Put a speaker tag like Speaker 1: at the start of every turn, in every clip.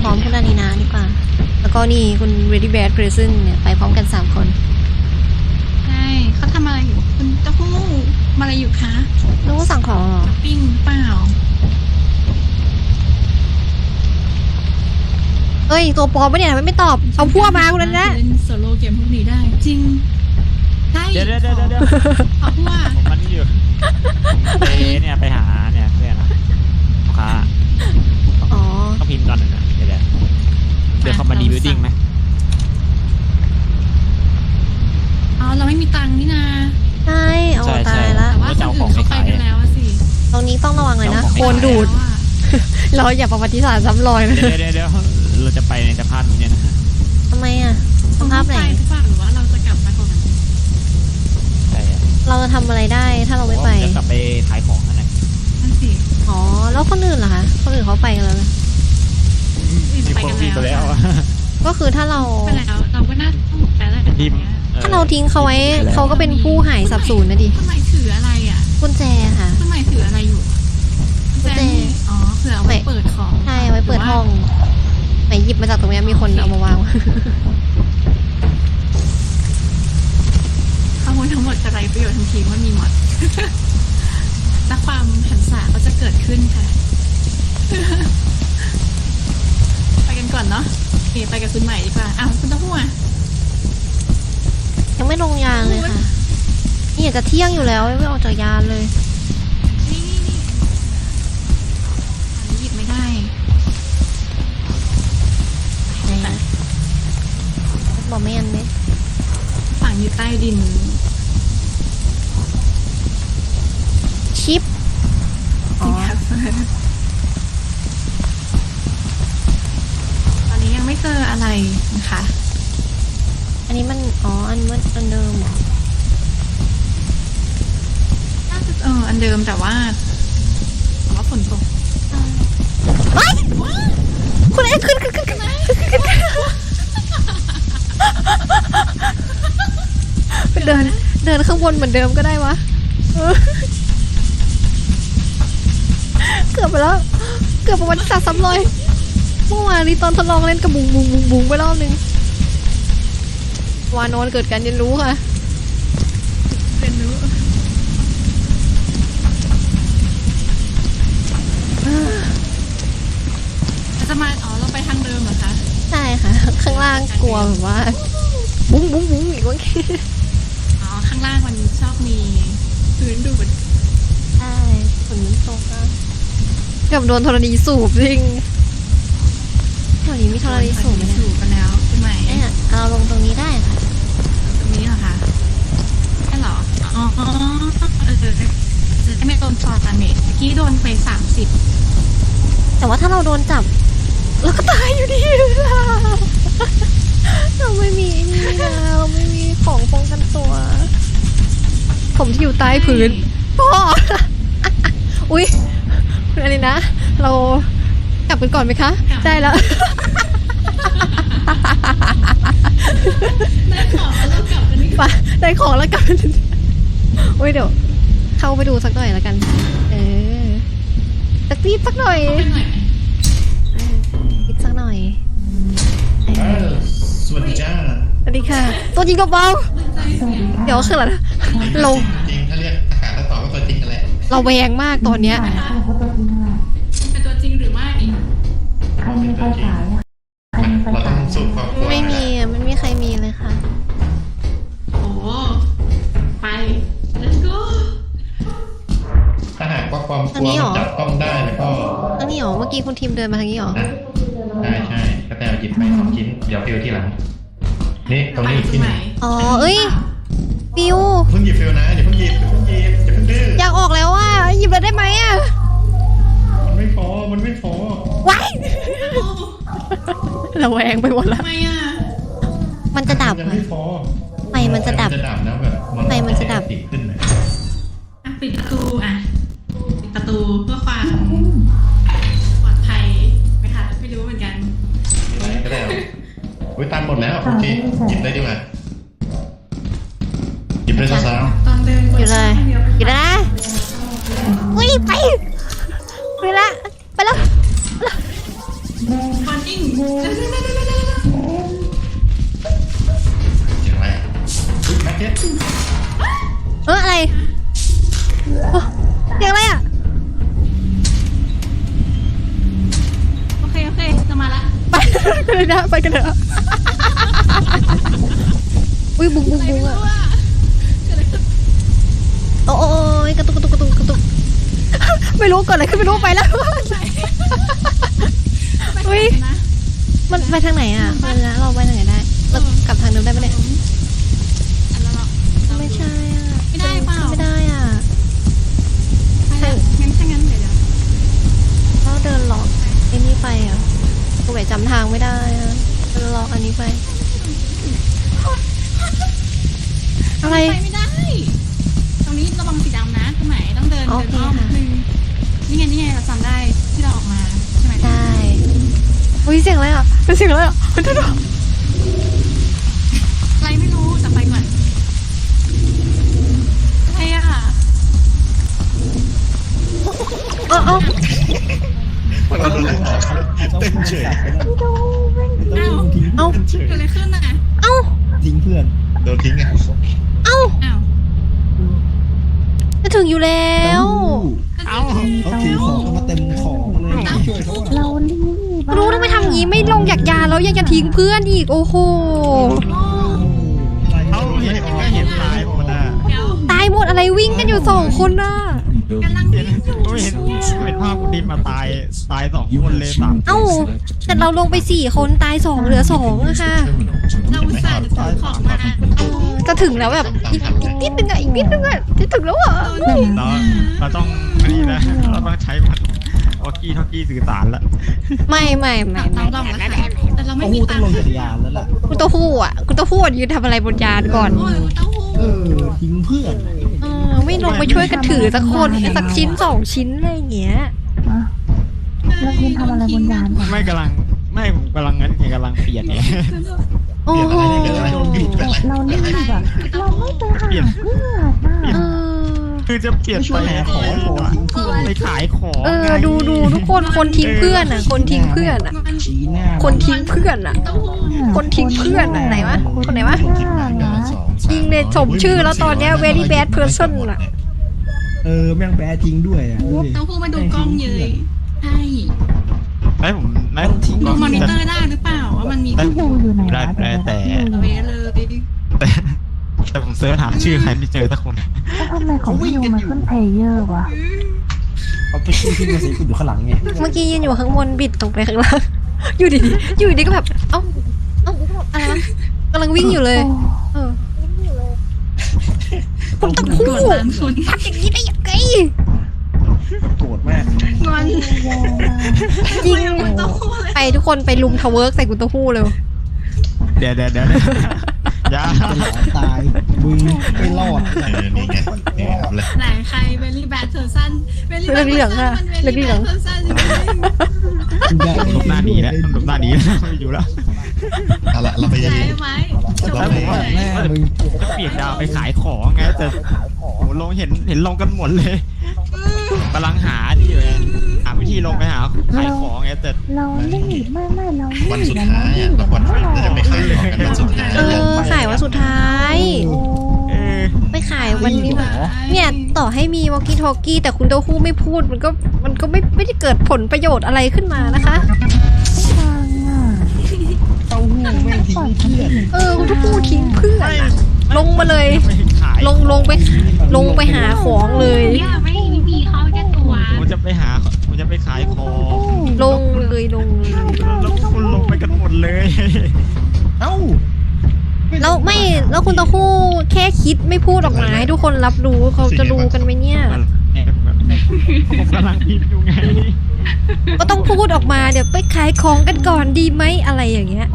Speaker 1: ร้อมคุณอานีนาดีกว่าแล้วก็นี่คุณ Ready Bad Person เนี่ยไปพร้อมกัน3 คน
Speaker 2: ใช่เขาทำอะไรอยู่คุณเต้าหู้ทำอะไรอยู่คะ
Speaker 1: รู้ว่าสั่งของเหรอ
Speaker 2: ปิ้งเปล่า
Speaker 1: เอ้ยตัวปลอมปะเนี่ยทำไมไม่ตอบเอาพวกมาคุณนั้นนะ
Speaker 2: เล่นโซโล่เกมพวกนี้ได้ จริงใช่
Speaker 3: เดี๋ยว
Speaker 2: เอาพวก
Speaker 3: ผมมันอยู่ไปเนี่ยไปหาเนี่ยเพื่อนนะลูกค้า
Speaker 1: อ๋อ
Speaker 3: ต้องพิมพ์ก่อนนะเดี๋ยวเขามารีวิวดิ้งไหม
Speaker 2: อ๋อเราไม่มีตังค์นี่นา
Speaker 1: ใช่เอาตายละ
Speaker 2: แต่ว่าคนอื่นเขาไปกันแล้วอะสิ
Speaker 1: ตรงนี้ต้องระวังเลยนะโคลนดูด เราอย่าประวัติศาสตร์ซ้ำรอยนะ
Speaker 3: เดี๋ยวเราจะไปในสภาพนี้เนี่ยนะ
Speaker 1: ทำไมอ่ะสภาพไหน
Speaker 2: หรือเปล่าหรือว่าเราจะกลับมาก่อน
Speaker 3: ใช่
Speaker 1: เราจะทำอะไรได้ถ้าเราไม่ไป
Speaker 3: จะกลับไปขายของนั่นแหละ
Speaker 2: นั่นสิ
Speaker 1: อ๋อแล้วคนอื่นล่ะคะคนอื่นเขาไปกันแล้วนะ
Speaker 3: มีคนพิมพ์ไปแล้ว
Speaker 1: ก็คือถ้าเรา
Speaker 2: ไปแล้วเราก็น่าต้องไปแล้ว
Speaker 3: พิมพ์
Speaker 1: ถ้าเราทิ้งเขาไว้เขาก็เป็นผู้หายสับสูญนะดิ
Speaker 2: ทำไมถืออะไรอ่ะ
Speaker 1: กุญแจค่ะ
Speaker 2: ทำไมถืออะไรอยู่
Speaker 1: กุญแจ
Speaker 2: อ๋อเผื่อเอาไว้เปิดของ
Speaker 1: ใช่ไว้เปิดห้องไหนหยิบมาจากตรงนี้มีคนเอามาวาง
Speaker 2: ข้อมูลทั้งหมดจะไรประโยชน์ทันทีว่ามีหมด และความหันษาก็จะเกิดขึ้นค่ะ ไปกันก่อนเนาะโอเคไปกับคุณใหม่ดีกว่าอ้าวคุณเต้าหู้อ่ะ
Speaker 1: ยังไม่ลงยานเลยค่ะนี่อยากจะเที่ยงอยู่แล้วไม่ออกจากยานเลย
Speaker 2: นี่อันนี้หยิบไม่ได้
Speaker 1: ไหนบอกไม่ยันไหม
Speaker 2: ฝังอยู่ใต้ดิน
Speaker 1: ชิปอ๋อ
Speaker 2: ตอนนี้ยังไม่เจออะไรนะคะ
Speaker 1: อันนี้มันอ๋ออันเดิมเหรอ
Speaker 2: น่าจะอันเดิมแต่ว่าฝนตก
Speaker 1: ว้ายคุณเอ็กขึ้นเดินข้างบนเหมือนเดิมก็ได้วะเกือบไปแล้วเกือบประวัติศาสตร์ซ้ำรอยเมื่อวานนี้ตอนทดลองเล่นกับบุงไปรอบนึงวานอนเกิดการเรียนรู้ค่ะ
Speaker 2: เรียนรู้จะมาเราไปทางเดิมเหรอคะ
Speaker 1: ใช่ค่ะ ข้างล่างกลัวแบบว่าบุ้งอีกว่า
Speaker 2: ข้างล่างมันชอบมีพื้นดูด
Speaker 1: ใช่ฝนตกนะเกือบโดนธรณีสูบจริงแถวนี้มีธรณีสูบไหมเนี่ย
Speaker 2: สูบกันแล้วใช่ไหม
Speaker 1: เนี่ยเอาลงตรงนี้ได้ค่ะ
Speaker 2: ตรงนี้เหรอคะใช่เหรออ๋อจะไม่โดนฟอร์ตาเมจเมื่อกี้โดนไป30
Speaker 1: แต่ว่าถ้าเราโดนจับเราก็ตายอยู่ดีล่ะเราไม่มีนี่นะเราไม่มีของป้องกันตัว ผมที่อยู่ใต้พื้นพ่อ อุ๊ยคุณอะไรนะ เรากลับกันก่อนไหมคะได้แล้ว
Speaker 2: ได้ของแล้วเรากลับกันนี่
Speaker 1: ไปได้ของแล้วกันอุ้ยเดี๋ยวเข้าไปดูสักหน่อยแล้วกันสักนิดสักหน่อย
Speaker 2: เป็นหน่อยไหม
Speaker 1: นิดสักหน่อย
Speaker 4: สวัสดีจ้า
Speaker 1: สวัสดีค่ะ ตัวจริงกับเบาเดี๋ยวคืออะไรนะเรา
Speaker 4: จริงถ้าเรียกอากาศถ้าตอบก็ตัวจริงกันแหละ
Speaker 1: เราแวงมากตอนเนี้ย
Speaker 2: เป็นตัวจริงหรือไม่
Speaker 4: เราเป็นตัวจริงเราต้องสูบความกลัว
Speaker 1: ไม่มีอ่ะไม่มีใครมีเลยค่ะ
Speaker 2: โอ้ไป let's go
Speaker 4: ถ้าหากว่าความกลัวมันจับต้องได้แล้วก็
Speaker 1: ทางนี้หรอเมื่อกี้คุณทีมเดินมาทางนี้หรอ
Speaker 4: ใช่ก็แต่หยิบไป2 ชิ้นเดี๋ยวฟิวที่หลังนี่ตรงนี้อีกที่หนึง
Speaker 1: อ๋อเอ้ยฟิว
Speaker 4: เพิ่งหยิบฟิวนะอย่าเพิ่งหยิบอย่าเพิ่งดื้อ
Speaker 1: อยากออกแล้วอ่ะหยิบแล้วได้ไหมอ่ะ
Speaker 4: มันไม่พอ
Speaker 1: ว้ายเราแวงไปหมดแล้ว
Speaker 2: ทำไมอ่ะ
Speaker 1: มันจะดับ
Speaker 4: ยัง
Speaker 1: อ่ะ
Speaker 4: ไม่พอ
Speaker 1: ไฟมันจะดับ
Speaker 4: แล้วแบบ
Speaker 1: ไฟมันจะดับ
Speaker 4: ติดขึ้นเลย
Speaker 2: ปิดประตูปิดประตูเพื่อความปลอดภัยไหมคะไม่รู้เหมือนกัน
Speaker 4: ก็ได้อุ้ยตันหมดแล้วโอเคหยิบได้ดีกว่าหยิบได้ซะ
Speaker 2: ตอนเดิน
Speaker 1: อยู่เลยอยู่แล้วนะอุ้ยไปละไปแล้ว
Speaker 2: คอนดิ้ง
Speaker 1: นะไปกันเถอะอุ้ยบุ้งบุ้งบุ้งอะโอ้ยกระตุกไม่รู้ก่อนอะไรขึ้นไม่รู้ไปแล้วอุ้ยมันไปทางไหนอ่ะเราไปทางไหนได้เรากลับทางเดิมได้ไหมเนี่ยไม่ใช่อ่ะ
Speaker 2: ไม่ได้เปล่า
Speaker 1: ไม่ได้อ่ะ
Speaker 2: งั้นถ้างั้นเดี๋ยว
Speaker 1: เราเดินล็อกไอ้นี่ไปอ่ะกูไปจำทางไม่ได้อ่ะเดินล็อกอันนี้ไปอะไร
Speaker 2: ไปไม่ได้ตรงนี้ระวังสีดำนะตรงไหนต้องเดินอ้อมนึงนี่ไงเราจำได้ที่เราออกมาใช่ไหม
Speaker 1: ได้อุ้ยเสียงอะไรอ่ะเป็นเสียงอะไรอ่ะเดี๋ยว
Speaker 2: อะไรไม่รู้แต่ไปก่อนอะไรอ่ะ
Speaker 1: เอา
Speaker 5: เต้นเฉย
Speaker 2: อ้าว
Speaker 1: เอา
Speaker 2: เกิดอะไรขึ้นอ่ะ
Speaker 1: เอา
Speaker 5: ทิ้งเพื่อน
Speaker 4: โดนทิ้งไง
Speaker 1: เอา
Speaker 2: อ้าว
Speaker 1: จะถึงอยู่แล้ว
Speaker 3: เอ้า
Speaker 5: เขาถือของมาเต็มของเลยช่วยเขา
Speaker 6: เรารีบ
Speaker 1: รู้แล้วไม่ทำงี้ไม่ลงจากยาแล้วยังจะทิ้งเพื่อนอีกโอ้โห
Speaker 3: เอ้าเห็นก็เห็นตายหมดอ่ะ
Speaker 2: เดี๋ยว
Speaker 1: ตายหมดอะไรวิ่งกันอยู่2 คนน่ะ
Speaker 2: กำลัง
Speaker 3: เห็นเห็นภาพกูดินมาตาย2 คนเลย3
Speaker 1: เอ้าแต่เราลงไป4 คนตาย2เหลือ2อะค่ะ
Speaker 2: เราอุตส่าห์จะซื้อของมา
Speaker 1: จะถึงแล้วแบบอีกนิดนึงอะอีกนิดนึงอะจะถึงแล้วอ่ะ
Speaker 3: เราต้องอันนี้นะเราต้องใช้มันทอกกี้สื่อสารละ
Speaker 1: ไม่
Speaker 2: ต้องลองแล้วค่ะแต่เราไม่
Speaker 5: เขา
Speaker 2: มี
Speaker 5: หูต้
Speaker 2: ตั
Speaker 5: อง
Speaker 2: ง
Speaker 5: ล
Speaker 2: ค์
Speaker 5: งจักรยานแล้วล่ะ
Speaker 1: คุณเต้าหู้ยืนทำอะไรบนยานก่อน
Speaker 2: โอ้ยเต้าหู้
Speaker 5: ทิ้งเพื่อน
Speaker 1: ไม่ลงไปช่วยกันถือสักคนสักชิ้น2 ชิ้นอะไรอย่างเงี้ย
Speaker 6: เรายืนทำอะไรบนยานกัน
Speaker 3: ไม่ผมกำลังงั้นไงกำลังเปลี่ยนไง
Speaker 1: โอ้โห
Speaker 6: เรารีบอะเราไม่ไปหาเพื่อนนะ
Speaker 3: คือจะเปลี่ยน
Speaker 5: ไม่ช่
Speaker 3: ไป
Speaker 5: วยหาของทิ้งเพื่อน
Speaker 3: ไปขายของ
Speaker 1: ดูทุกคนทิ้งเพื่อนอ่ะคนทิ้งเพื่อนอ่ะ
Speaker 5: ชี้หน้า
Speaker 1: คนทิ้งเพื่อนอ่ะ
Speaker 2: เต้าหู้
Speaker 1: คนทิ้งเพื่อนอะไหนวะคนไหนวะ จริงเลยสมชื่อแล้วตอนเนี้ย very bad person อ่ะ
Speaker 5: แม่งแปรทิ้งด้วยอ่ะดูดิ
Speaker 2: เต้าหู้มาดูกล้องเยยใช่
Speaker 3: ผมทิ้ง
Speaker 2: ดูมอนิเตอร์ได้หรือเปล่าว่ามันมี
Speaker 3: ได้
Speaker 6: ดูอยู่ไหน
Speaker 3: ได้แต่
Speaker 2: เอาไว้เลย
Speaker 3: แต่ผมเสิร์ชหาชื่อใครไม่เจอสักคน
Speaker 6: แล้วทำไมของพี่ยูมันขึ้นเพลเยอร์วะ
Speaker 5: เอาไปทิ้งมาสิคุณอยู่ข้างหลังไง
Speaker 1: เมื่อกี้ยืนอยู่ข้างบนบิดลงไปข้างล่างอยู่ดีๆก็แบบเอ้าอะไรวะกำลังวิ่งอยู่เลยคุณตะคู่
Speaker 2: กดร้านคุณ
Speaker 1: ทำอย่างนี้ได้ยังไง
Speaker 5: โกรธมาก
Speaker 2: งอน
Speaker 1: จริง
Speaker 2: เต้าหู้เลย
Speaker 1: ไปทุกคนไปลุมทาวเวิร์กใส่คุณเต้าหู้เร็ว
Speaker 3: เดี๋ยวอย่า
Speaker 5: จะหลานตายมึงไม่รอด
Speaker 4: นี่ไงนี่ครับเลย
Speaker 2: ไหนใครเวลี่แบทเทอร์ซันเวลี่แบทเทอร์ซัน
Speaker 1: เหลืองๆอะ
Speaker 2: มันเวลี่แบทเทอร์ซัน
Speaker 3: ลบหน้าดีแล้วลบหน้าดีไม่อยู่แล้ว
Speaker 4: เอาละเราไป
Speaker 2: ใช่ไหมจบ
Speaker 3: แล้ว
Speaker 2: เล
Speaker 3: ผมว่า
Speaker 2: ย
Speaker 5: หน้ามึง
Speaker 3: จะเปลี่ยนดาวไปขายของไงแต่โอ้ลงเห็นลงกันหมดเลยกำลังหาที่เลยหาวิธีลงไปหาขายของไงแต่
Speaker 6: เรารีบไม่เรารีบ
Speaker 4: วันสุดท้ายอ่ะเราวันเราจะไปขายของกันวันสุดท้าย
Speaker 1: ขายวันสุดท้าย
Speaker 3: เออ
Speaker 1: ไปขายวันนี้แบบเนี่ยต่อให้มีวอลกี้ทอ k กี้แต่คุณเต้าหู้ไม่พูดมันก็ไม่ได้เกิดผลประโยชน์อะไรขึ้นมานะคะ
Speaker 6: ฟังอ่ะ
Speaker 5: เต้าหู้แม่งทิ้งเพื่อน
Speaker 1: คุณเต้าหู้ทิ้งเพื่อนอะลงมาเลย
Speaker 3: ไม่ขาย
Speaker 1: ลงไปหาของเลย
Speaker 2: เนี่ยไม่มีเขาแค่ตัว
Speaker 3: ผมจะไปขายของ
Speaker 1: ลงเลย
Speaker 3: แล้วคุณลงไปกันหมดเลย
Speaker 5: เอ้า
Speaker 1: แล้วคุณเต้าหู้แค่คิดไม่พูดออกมาให้ทุกคนรับรู้เขาจะรู้กันไหมเนี่ย
Speaker 3: ผมกำลังพิมพ์อยู่ไง
Speaker 1: ก็ต้องพูดออกมาเดี๋ยวไปขายของกันก่อนดีไหมอะไรอย่างเงี้ย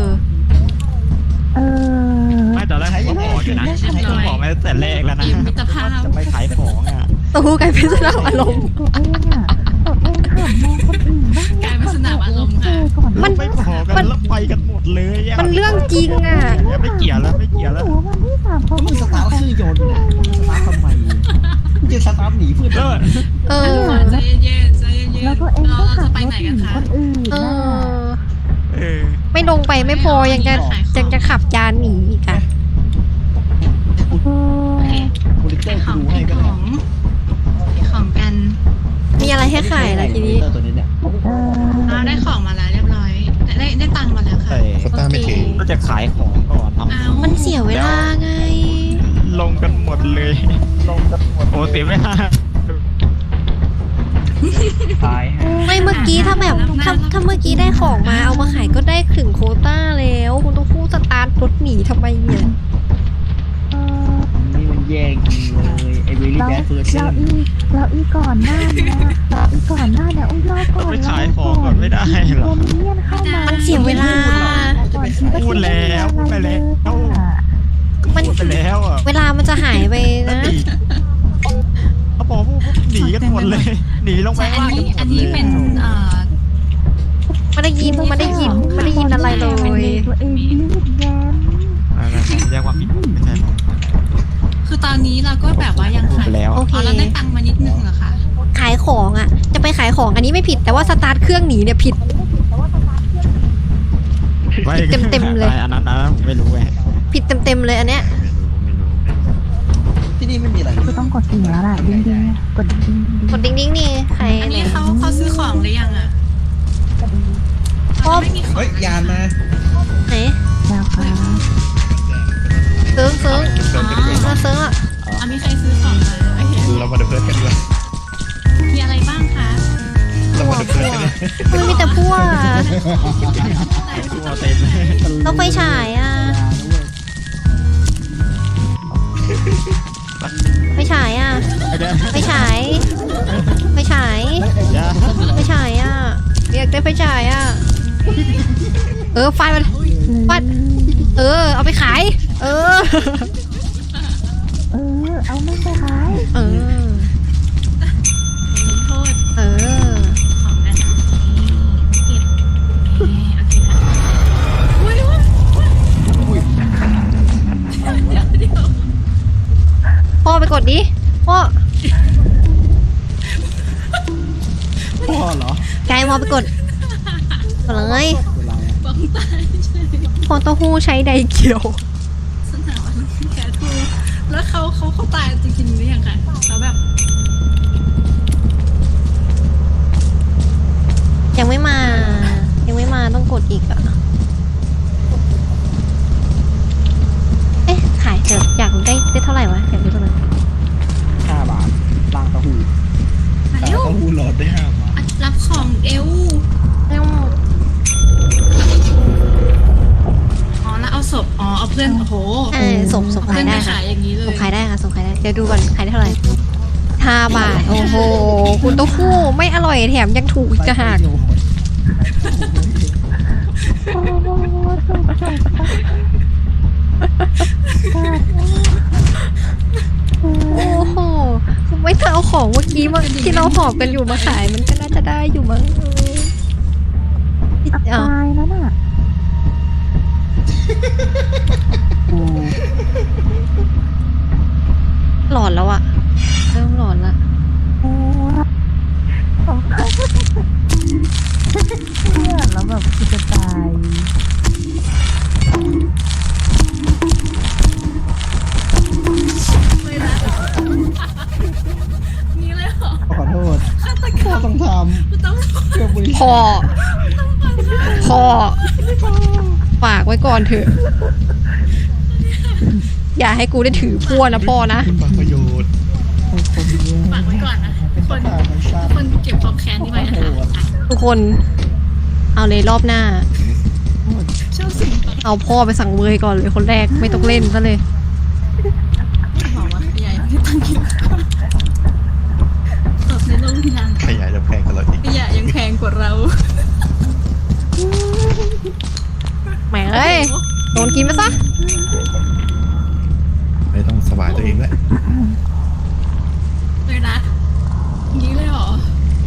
Speaker 3: ไม่ตอนแรกผมก็บอกอยู่นะผมบอกมาตั้งแต่แรกแล้วนะ
Speaker 2: เกมมิตรภาพ
Speaker 3: จะไปขายของอ่ะ
Speaker 1: เต้าหู้กลายเป็นสนามอารมณ์
Speaker 6: ตัวเองอ่ะขับมองคนอื่นบ้าง
Speaker 2: กลายเป็นสนามอารมณ์ค่ะ
Speaker 6: ก่อน
Speaker 1: มัน
Speaker 3: ไม่พอกันแล้วไปกันหมดเลยอ่ะ
Speaker 1: มันเรื่องจริงอ่ะ
Speaker 3: ไม่เกี่ยวแล้ว
Speaker 6: หัววันที่3เขา
Speaker 5: มึงสตาร์ทเครื่องยนต์เนี่ยสตาร์ททำไมมึงจะสตาร์ทหนีเพื่อน
Speaker 2: ใจเย็นใจเย็น
Speaker 6: แล้วตัวเองก็
Speaker 2: เรา
Speaker 6: ขั
Speaker 2: จะ
Speaker 6: บ
Speaker 2: ไป
Speaker 6: รถ
Speaker 2: ไหน
Speaker 6: ห
Speaker 2: กั
Speaker 6: นี
Speaker 2: นคะ
Speaker 6: คนอื่นนะ
Speaker 1: ไม่ลงไปไม่พอยังจะขับยานหนีอีกอ่ะ
Speaker 5: โปรดิเตอร์
Speaker 2: ของ
Speaker 5: ดูให้ก็
Speaker 2: ข
Speaker 5: ได้
Speaker 2: องของกัน
Speaker 1: มีอะไรให้ขายล่ะทีนี้
Speaker 5: ตัวนี้เนี่ย
Speaker 2: เราได้ของมาแล้วเรียบร้อยได้ตังค์มาแล้วค่ะ
Speaker 3: แต่
Speaker 4: โควต้าไม่ถึง
Speaker 3: ก็จะขายของก่อนท
Speaker 2: อ้าว
Speaker 1: มันเสียเวลาไง
Speaker 3: ำลงกันหมดเลยโอ้เสียเวลา
Speaker 5: ตายฮะ
Speaker 1: ไม่เมื่อกี้ถ้าแบบถ้าเมื่อกี้ได้ของมาเอามาขายก็ได้ถึงโควต้าแล้วคุณต้องพูดสตาร์ทรถหนีทำไมเนี่ย
Speaker 5: นี่มันแย่งจริงเลยไอ้เวลี่แบดเฟิร์ส
Speaker 6: เราอีก่อนหน้าเนี่ยอีก่อนหน้าเนี่ยอุ้ยรอก่อน
Speaker 3: ไปขายของก่อนไม่ได้เหรอ
Speaker 6: โดนเมียนเข้ามา
Speaker 1: มันเสียเวลา
Speaker 3: พูดแล้วพูดไปแล้ว
Speaker 1: มัน
Speaker 3: พูดไปแล้วอ่ะ
Speaker 1: เวลามันจะหายไป
Speaker 3: แล้ว
Speaker 1: นะ
Speaker 3: หนีเขาบอกพวกหนีกันหมดเลย หนีลงไป
Speaker 2: ใช่
Speaker 3: ข้างล่างกันหม
Speaker 2: อั
Speaker 3: ด
Speaker 2: น
Speaker 3: เล
Speaker 2: นี้
Speaker 3: ย
Speaker 2: เป็น
Speaker 1: ไม่ได้ยินอะไรเลย
Speaker 6: ตัวเองรีบแย้ม
Speaker 3: แยกความผิดไม่ใช่หรอก
Speaker 2: คือตอนนี้เราก็แบบว่ายัง
Speaker 3: พูด
Speaker 2: ขาย
Speaker 3: ไปแล้ว
Speaker 1: โอเค
Speaker 2: อ๋อเราได้ตังค์มานิดนึงเหรอคะ
Speaker 1: ขายของอ่ะ จะไปขายของอันนี้ไม่ผิดแต่ว่าสตาร์ทเครื่องหนีเนี่ยผิด เต็มๆเลย
Speaker 3: อันนั้นผมไม่รู้ไง
Speaker 1: ผิดเต็มๆเลยอันเนี้ย
Speaker 5: ที่นี่ไม่มีอะไร
Speaker 6: ก็ต้องกดสิ่งแล้วล่ะดิ้งดิ้งกดดิ้ง
Speaker 1: กดดิ้งๆนี่ใคร
Speaker 2: อัน
Speaker 1: เนี่
Speaker 2: นี้
Speaker 1: ย
Speaker 2: เขาซื้อของหรือยังอ่ะ
Speaker 1: พ่อ
Speaker 2: ไม่มีของ
Speaker 5: เฮ้ยยานมา
Speaker 1: ไหน
Speaker 6: แล้วค่ะ
Speaker 1: ซึ้ง
Speaker 4: เพื่อนกันด้วย
Speaker 1: มาซึ้งอ่ะ
Speaker 2: อ่ะมีใครซื้อของมาโอเค
Speaker 4: เรามาดูเพื่อนกันด้วย
Speaker 2: มีอะไรบ้างคะ
Speaker 4: เรามาดูเพื่อนกันด้วย
Speaker 1: มันมีแต่พวก
Speaker 3: ตัวเต็มเลย
Speaker 1: ต้องไฟฉายอ่ะไฟฉายอ่ะ
Speaker 3: เดี๋ยว
Speaker 1: ไฟฉายไฟฉาย
Speaker 3: เดี๋ยว
Speaker 1: ไฟฉายอ่ะอยากได้ไฟฉายอ่ะฟาดมันฟาดเอาไปขาย
Speaker 6: เอาไม่ไปขาย
Speaker 1: เออ
Speaker 2: ลงโทษ
Speaker 1: เออ
Speaker 2: ของกันเก็บโอเคอุ้ยเดี๋ยว
Speaker 1: พ่อไปกดดิพ่อ
Speaker 5: พ่อเหรอ
Speaker 1: ไกายพ่อไปกดกดเลย
Speaker 5: เวลา
Speaker 2: บ้องตายใช่
Speaker 1: พอเต้าหู้ใช้ไดเกียว
Speaker 2: สนามแกทูแล้วเขาตายจริงๆหรือยังคะเขาแบบ
Speaker 1: ยังไม่มาต้องกดอีกอ่ะขายเถอะอยากรู้ได้เท่าไหร่วะอยากรู้เท่าไหร่
Speaker 5: 5 บาทล่างเต้าหู้
Speaker 2: มาเร็ว
Speaker 5: เต้าหู้หลอดได้5 บาท
Speaker 2: รับของเอว
Speaker 1: แล้ว
Speaker 2: อ๋อแล้วเอาศพอ๋อเอาเพื่อนโอ้โห
Speaker 1: ส่ง
Speaker 2: เพื่
Speaker 1: ขา
Speaker 2: อย น
Speaker 1: ได้
Speaker 2: ไป
Speaker 1: ค่ะ
Speaker 2: ขายอย่างนี้เลย
Speaker 1: ส่งขายได้ค่ะส่งขายได้เดี๋ยวดูก่อนขายได้เท่าไหร่5 บาทโอ้โหคุณเต้าหู้ไม่อร่อยแถมยังถูกอีกต่างหาก
Speaker 6: โอ้โหจบ
Speaker 1: โอ้โหไม่ถ้าเอาของเมื่อกี้มาที่เราหอบกันอยู่มาขายมันก็น่าจะได้อยู่มั้ง
Speaker 6: ตายแล้วน่ะ
Speaker 1: หลอนแล้วอะเริ่มหลอนละ
Speaker 6: โอ้เนี่ยแล้วแบบคือจะตาย
Speaker 2: นี่เลยเหรอ
Speaker 5: ขอโทษพ่อต้องท
Speaker 2: ต้อง
Speaker 5: ำเพื่อบริษัท
Speaker 1: พ่อฝากไว้ก่อนเถอะ อย่าให้กูได้ถือพั่วนะพ่อนะ
Speaker 4: คุณบางประโยชน์
Speaker 2: ฝากไว้ก่อนนะทุกคน
Speaker 5: ทางมันทราบ
Speaker 2: ทุกคนเก็บความแค้นนี้ไว้นะคะอ่ะ
Speaker 1: ทุกคนเอาเลยรอบหน้า
Speaker 2: เช่าสิ่งต่อ
Speaker 1: เอาพ่อไปสั่งเวยก่อนเลยคนแรกไม่ต้องเล่นซะเลย
Speaker 2: บอกว่าใหญ่ไม่ตั้งคิดตบในโรงพยาบาล
Speaker 4: ขยายจะแพงกันเราอีก
Speaker 2: ขยะยังแพงกว่าเรา
Speaker 1: แหมเอ้ยโดนกินไปซะ
Speaker 4: ไม่ต้องสบายตัวเองแล้ว
Speaker 2: เลยนะอย่างนี้เลยเหรอ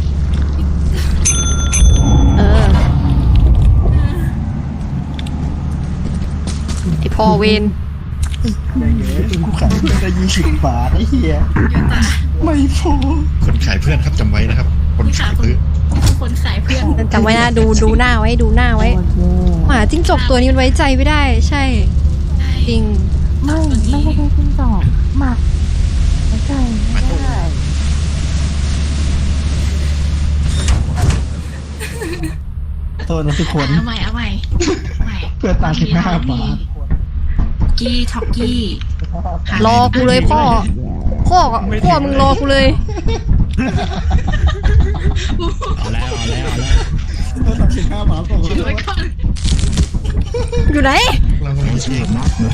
Speaker 1: ไอพ่อเวน
Speaker 5: กูขายเพื่อนได้20 บาทไอ้เหี้ย
Speaker 2: เยอะตา
Speaker 5: ไม่พอ
Speaker 4: คนขายเพื่อนครับจำไว้นะครับ คนขายเพื่อน
Speaker 2: คนขายเพื่อน
Speaker 1: จำไว้นะดูหน้าไว้ดูหน้าไว้
Speaker 6: โอเค
Speaker 1: หมาจิ้งจกตัวนี้มันไว้ใจไม่ได้ ใช่ จริง
Speaker 6: ไม่ใช่แค่จิ้งจอกหมักไม่ใช่ไม่ได้
Speaker 1: เ
Speaker 5: โทษนะทุกคน
Speaker 2: เอาใหม่
Speaker 5: เพื่อนตา15 บาท
Speaker 2: กี้ท็อกกี้
Speaker 1: รอกูเลยพ่อมึงรอกูเลย
Speaker 3: เอาแล้ว
Speaker 5: เพื่อนตา15 บาทส่ง
Speaker 2: ถือไว้ก่อน
Speaker 1: อยู่ไหน
Speaker 4: เราก็ไม่เชื่อ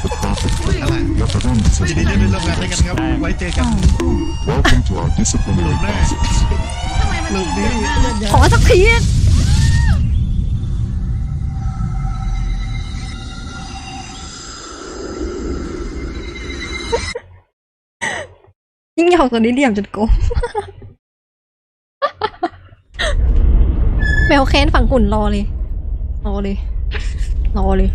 Speaker 7: ยินดีที่ได้ร่วมงานด้วยกันครับ ไว้เจอกัน
Speaker 8: Welcome to our disciplinary
Speaker 7: แม่
Speaker 8: process.
Speaker 2: ทำไมมันถึงแบบนั้น
Speaker 1: ขอสักทียิ่งหยอกตัวนี้เหลี่ยมจนโกง แมวแค้นฝั่งหุ่นรอเลย